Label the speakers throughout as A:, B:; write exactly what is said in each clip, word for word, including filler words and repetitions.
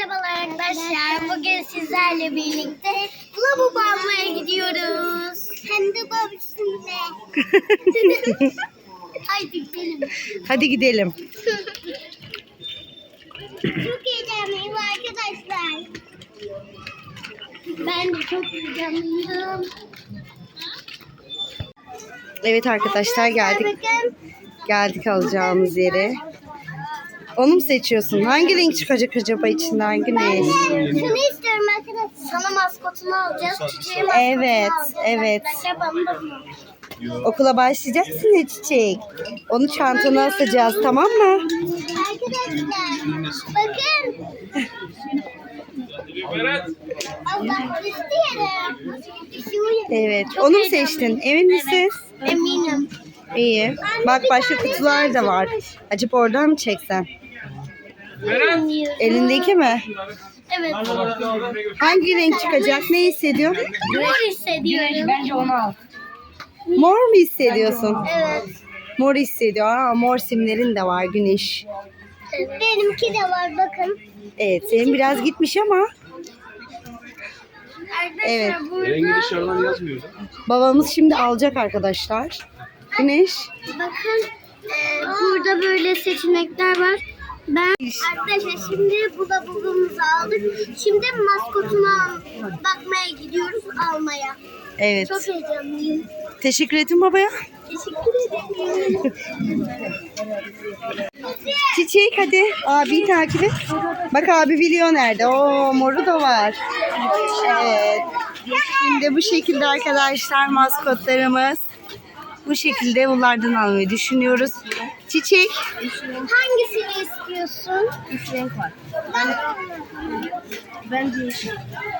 A: Merhabalar arkadaşlar. Bugün sizlerle birlikte lavabo almaya gidiyoruz. Hem de babasında. Haydi gidelim.
B: Hadi gidelim.
A: Çok heyecanlıyım arkadaşlar. Ben de çok heyecanlıyım.
B: Evet arkadaşlar geldik.
A: Bakın.
B: Geldik alacağımız yere. Onu mu seçiyorsun? Hangi renk çıkacak acaba içinden Güneş?
A: Şunu istiyorum arkadaşlar. Sana maskotunu alacağız. Çiçeğe maskotunu
B: Evet,
A: alacağız.
B: evet.
A: Arkadaşlar bana da bunu.
B: Okula başlayacaksın ya Çiçek. Onu çantana asacağız, tamam mı?
A: Arkadaşlar bakın. Allah isteyelim.
B: Evet. Onu mu seçtin? Emin misin?
A: Eminim.
B: İyi. Bak başka kutular da var. Acaba oradan mı çeksen? Elindeki mi?
A: Evet.
B: Hangi renk çıkacak? Ne hissediyorsun?
A: Mor hissediyorum.
C: Bence onu al.
B: Mor mu hissediyorsun?
A: Evet.
B: Mor hissediyor. Aa, mor simlerin de var Güneş.
A: Benimki de var bakın.
B: Evet, senin biraz gitmiş ama
A: Arkadaşlar
B: Evet.
D: Rengi
A: burada
D: dışarıdan yazmıyor.
B: babamız şimdi alacak arkadaşlar. Güneş.
A: bakın e, burada böyle seçenekler var. Ben arkadaşlar şimdi bu da bulduğumuzu aldık. Şimdi maskotunu al- bakmaya gidiyoruz almaya.
B: Evet.
A: Çok heyecanlıyım.
B: Teşekkür ettim babaya.
A: Teşekkür ederim.
B: Çiçek hadi. Abiyi takip et. Bak abi biliyor nerede. Oo moru da var. Evet. Şimdi bu şekilde arkadaşlar maskotlarımız. Bu şekilde bunlardan almayı düşünüyoruz. Çiçek.
A: Hangisini istiyorsun?
C: Üç renk var.
A: Ben...
C: Bence yeşil.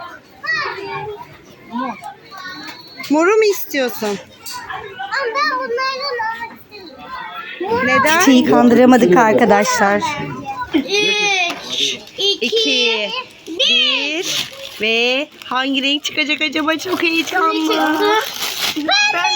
B: Moru mu istiyorsun?
A: Ama ben bunlardan almak istemiyorum.
B: Neden? Çiçeği kandıramadık arkadaşlar.
A: Üç, iki,
B: İki, bir ve hangi renk çıkacak acaba? Çok
A: ne
B: heyecanlı.
A: çıktı? Ben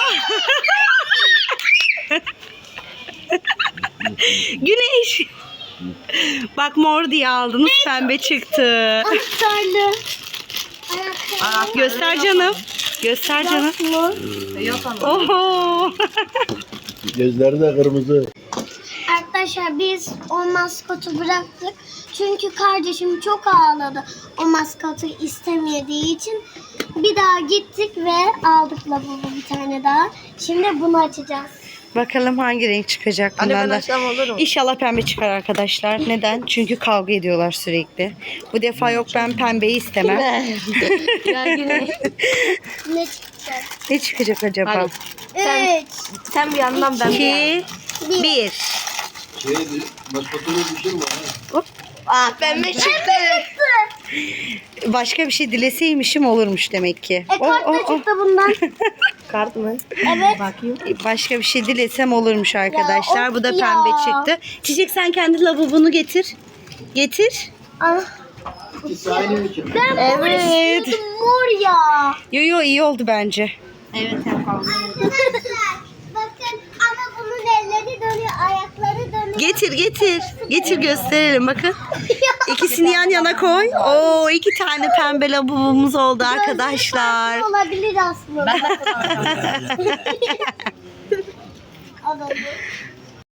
B: Güneş. Bak mor diye aldınız, pembe çıktı.
A: Anahtarlı.
B: Aa, göster canım. Göster canım.
C: Yok ama.
B: Oho.
D: Gözleri de kırmızı.
A: Arkadaşlar biz o maskotu bıraktık. Çünkü kardeşim çok ağladı. O maskotu istemediği için bir daha gittik ve aldık lavabo bir tane daha. Şimdi bunu açacağız.
B: Bakalım hangi renk çıkacak bundan da.
C: olur mu?
B: İnşallah pembe çıkar arkadaşlar. Neden? Çünkü kavga ediyorlar sürekli. Bu defa yok, ben pembeyi istemem.
C: Ya Güneş.
A: Ne çıkacak?
B: Ne çıkacak acaba?
C: Hadi. Sen-
A: Üç,
C: Sen bir yandan ben bir yandan.
B: İki, bir.
D: Şeydi, maskotunu düşürme ha.
C: Aa pembe çıktı.
B: Başka bir şey dileseymişim olurmuş demek ki.
A: E
B: Oh,
A: kart da
B: oh, oh.
A: çıktı bundan.
C: Kart mı?
A: Evet.
C: Bakayım.
B: Başka bir şey dilesem olurmuş arkadaşlar.
A: of
B: Bu da
A: ya.
B: pembe çıktı. Çiçek sen kendi lavabonu getir. Getir.
A: Ah,
D: İkisi aynı mı çıktı?
A: ben mor
B: Evet.
A: istiyordum, mor ya.
B: Yo yo iyi oldu bence.
C: Evet yapalım.
A: Arkadaşlar bakın ama bunun elleri dönüyor, ayakları dönüyor.
B: Getir getir. Getir gösterelim bakın. İkisini yan yana koy. Oo iki tane pembe lavabomuz oldu arkadaşlar.
A: Gözleri farklı olabilir aslında. Alalım.